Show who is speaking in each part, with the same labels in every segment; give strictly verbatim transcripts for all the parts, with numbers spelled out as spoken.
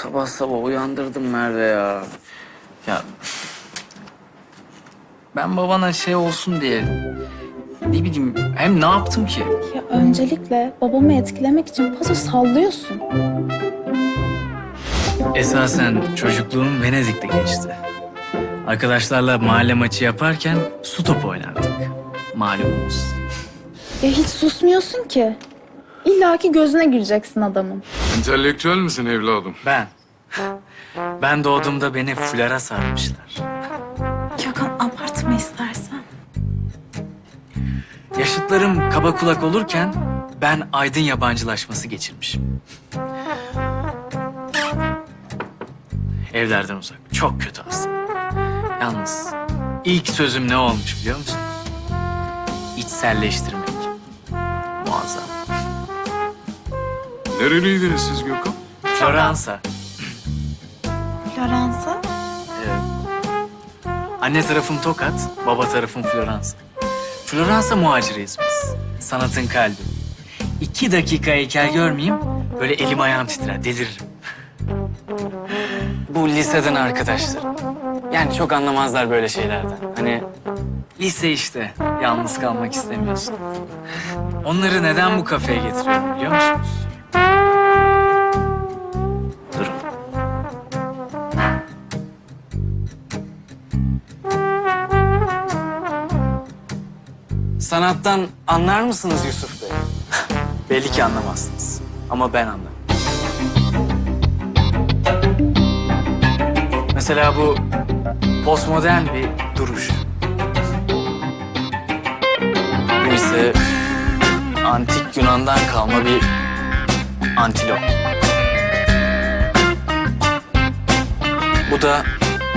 Speaker 1: sabah sabah uyandırdım Merve ya. Ya ben babana şey olsun diye ne bileyim hem ne yaptım ki?
Speaker 2: Ya öncelikle babamı etkilemek için paso sallıyorsun.
Speaker 1: Esasen çocukluğum Venedik'te geçti. Arkadaşlarla mahalle maçı yaparken su topu oynardık. Malumunuz.
Speaker 2: Ya hiç susmuyorsun ki. İlla ki gözüne gireceksin adamın.
Speaker 3: Entelektüel misin evladım?
Speaker 1: Ben. Ben doğduğumda beni fulara sarmışlar.
Speaker 2: Gökhan abartma istersen.
Speaker 1: Yaşıtlarım kaba kulak olurken ben aydın yabancılaşması geçirmişim. Evlerden uzak. Çok kötü aslında. Yalnız ilk sözüm ne olmuş biliyor musun? İçselleştirmek. Muazzam.
Speaker 3: Nereliydiniz siz Gökhan?
Speaker 1: Floransa.
Speaker 2: Floransa?
Speaker 1: Evet. Anne tarafım Tokat, baba tarafım Floransa. Floransa muhaciriyiz biz. Sanatın kalbi. İki dakika heykel görmeyeyim, böyle elim ayağım titrer, deliririm. Bu liseden arkadaşlarım. Yani çok anlamazlar böyle şeylerden. Hani lise işte, yalnız kalmak istemiyorsun. Onları neden bu kafeye getiriyorum biliyor musunuz? Durun. Sanattan anlar mısınız Yusuf Bey? Belli ki anlamazsınız. Ama ben anlarım. Mesela bu postmodern bir duruş. Bu ise antik Yunan'dan kalma bir antilop. Bu da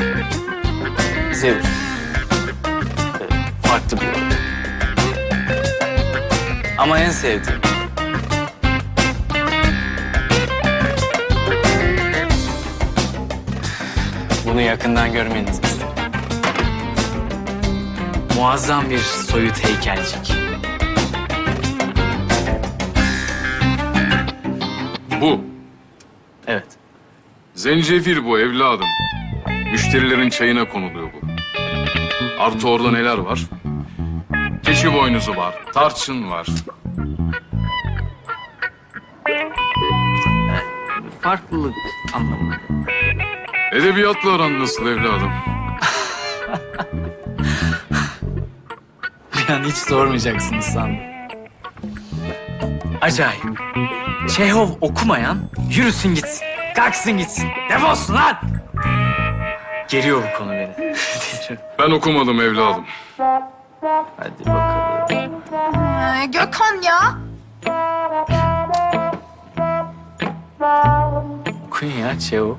Speaker 1: Zeus. Evet, farklı bir yol. Ama en sevdiğim bunu yakından görmenizi isterim. Muazzam bir soyut heykelcik.
Speaker 3: Bu.
Speaker 1: Evet.
Speaker 3: Zencefil bu evladım. Müşterilerin çayına konuluyor bu. Artı orada neler var? Keçi boynuzu var, tarçın var.
Speaker 1: Farklılık anlamında.
Speaker 3: Edebiyatla aran nasıl evladım?
Speaker 1: Bir an hiç sormayacaksınız sandım. Acayip. Çehov okumayan yürüsün gitsin. Kalksın gitsin. Defolsun lan! Geriyor bu konu beni.
Speaker 3: Ben okumadım evladım.
Speaker 1: Hadi bakalım.
Speaker 2: Ee, Gökhan ya.
Speaker 1: Okuyun ya Çehov.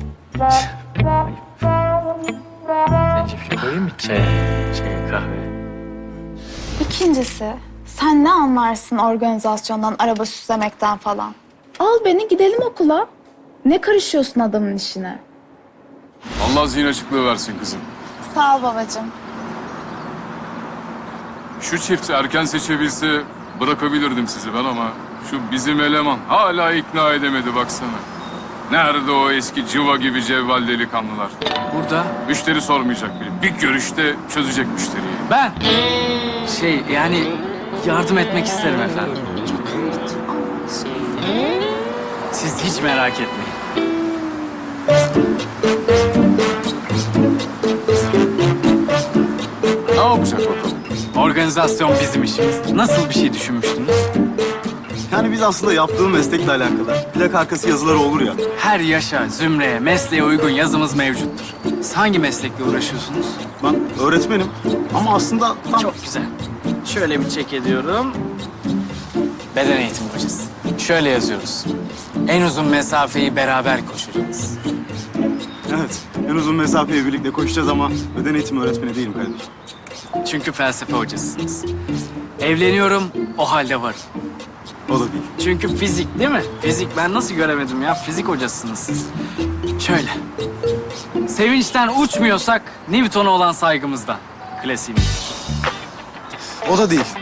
Speaker 1: Zencefil koyayım mı çaya? Çaya kahve.
Speaker 2: İkincisi, sen ne anlarsın organizasyondan, araba süslemekten falan? Al beni gidelim okula. Ne karışıyorsun adamın işine?
Speaker 3: Allah zihin açıklığı versin kızım.
Speaker 2: Sağ ol babacığım.
Speaker 3: Şu çift erken seçebilse bırakabilirdim sizi ben ama şu bizim eleman hala ikna edemedi baksana. Nerede o eski cıva gibi cevval delikanlılar?
Speaker 1: Burada
Speaker 3: Müşteri sormayacak bile. Bir görüşte çözecek müşteriyi.
Speaker 1: ben şey yani yardım etmek isterim efendim. Siz hiç merak etmeyin.
Speaker 3: Ne yapacak bakalım?
Speaker 1: Organizasyon bizim işimiz. Nasıl bir şey düşünmüştünüz?
Speaker 4: Yani biz aslında yaptığım meslekle alakalı. Plak arkası yazıları olur ya.
Speaker 1: Her yaşa, zümreye, mesleğe uygun yazımız mevcuttur. Siz hangi meslekle uğraşıyorsunuz?
Speaker 4: Ben öğretmenim ama aslında tam...
Speaker 1: Çok güzel. Şöyle bir çek ediyorum. Beden eğitimi hocası. Şöyle yazıyoruz. En uzun mesafeyi beraber koşacağız.
Speaker 4: Evet, en uzun mesafeyi birlikte koşacağız ama beden eğitimi öğretmeni değilim kardeşim.
Speaker 1: Çünkü felsefe hocasısınız. Evleniyorum, o halde varım.
Speaker 4: O da değil.
Speaker 1: Çünkü fizik değil mi? Fizik ben nasıl göremedim ya? Fizik hocasısınız siz. Şöyle. Sevinçten uçmuyorsak Newton'a olan saygımızdan. Klasiğimiz.
Speaker 4: O da değil.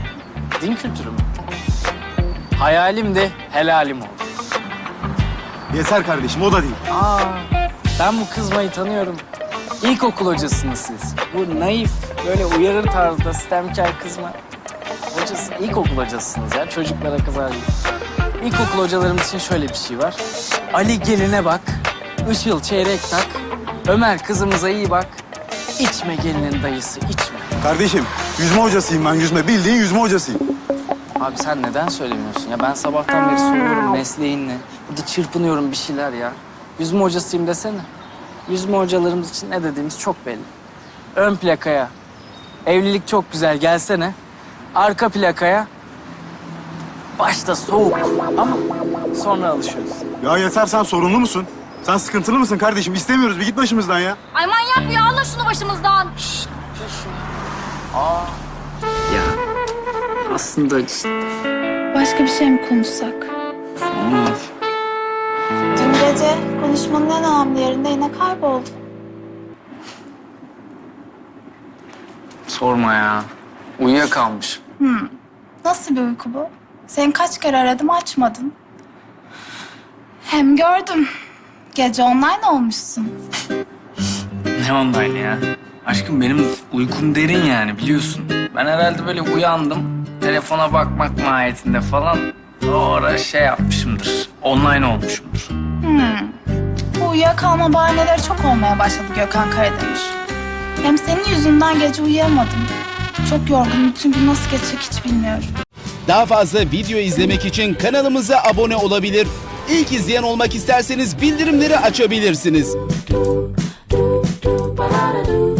Speaker 1: Din kültürü mü? Hayalim de helalim oldu.
Speaker 4: Yeter kardeşim, o da değil.
Speaker 1: Aa, ben bu kızmayı tanıyorum. İlkokul hocasınız siz. Bu naif, böyle uyarır tarzda sistemkar kızma. Hocası, ilkokul hocasısınız ya. Çocuklara kızar gibi. İlkokul hocalarımız için şöyle bir şey var. Ali geline bak, Işıl çeyrek tak, Ömer kızımıza iyi bak, içme gelinin dayısı, içme.
Speaker 4: Kardeşim, yüzme hocasıyım ben, yüzme. Bildiğin yüzme hocasıyım.
Speaker 1: Abi sen neden söylemiyorsun ya? Ben sabahtan beri soruyorum mesleğin ne? Burada çırpınıyorum bir şeyler ya. Yüzme hocasıyım desene. Yüzme hocalarımız için ne dediğimiz çok belli. Ön plakaya evlilik çok güzel gelsene. Arka plakaya başta soğuk ama sonra alışıyoruz.
Speaker 4: Ya yeter, sen sorunlu musun? Sen sıkıntılı mısın kardeşim? İstemiyoruz, bir git başımızdan ya.
Speaker 5: Ay manyak ya, Allah şunu başımızdan.
Speaker 1: Ya aslında işte...
Speaker 2: Başka bir şey mi konuşsak? Dün gece konuşmanın en önemli yerinde yine kayboldun.
Speaker 1: Sorma ya. Uyuyakalmışım.
Speaker 2: Nasıl bir uyku bu? Seni kaç kere aradım, açmadın. Hem gördüm. Gece online olmuşsun.
Speaker 1: Ne online ya? Aşkım benim uykum derin yani biliyorsun. Ben herhalde böyle uyandım. Telefona bakmak mahiyetinde falan. Sonra şey yapmışımdır. Online olmuşumdur.
Speaker 2: Bu uyuyakalma bahaneleri çok olmaya başladı Gökhan Karademir. Hem senin yüzünden gece uyuyamadım. Çok yorgunum. Bütün gün nasıl geçecek hiç bilmiyorum.
Speaker 6: Daha fazla video izlemek için kanalımıza abone olabilir. İlk izleyen olmak isterseniz bildirimleri açabilirsiniz.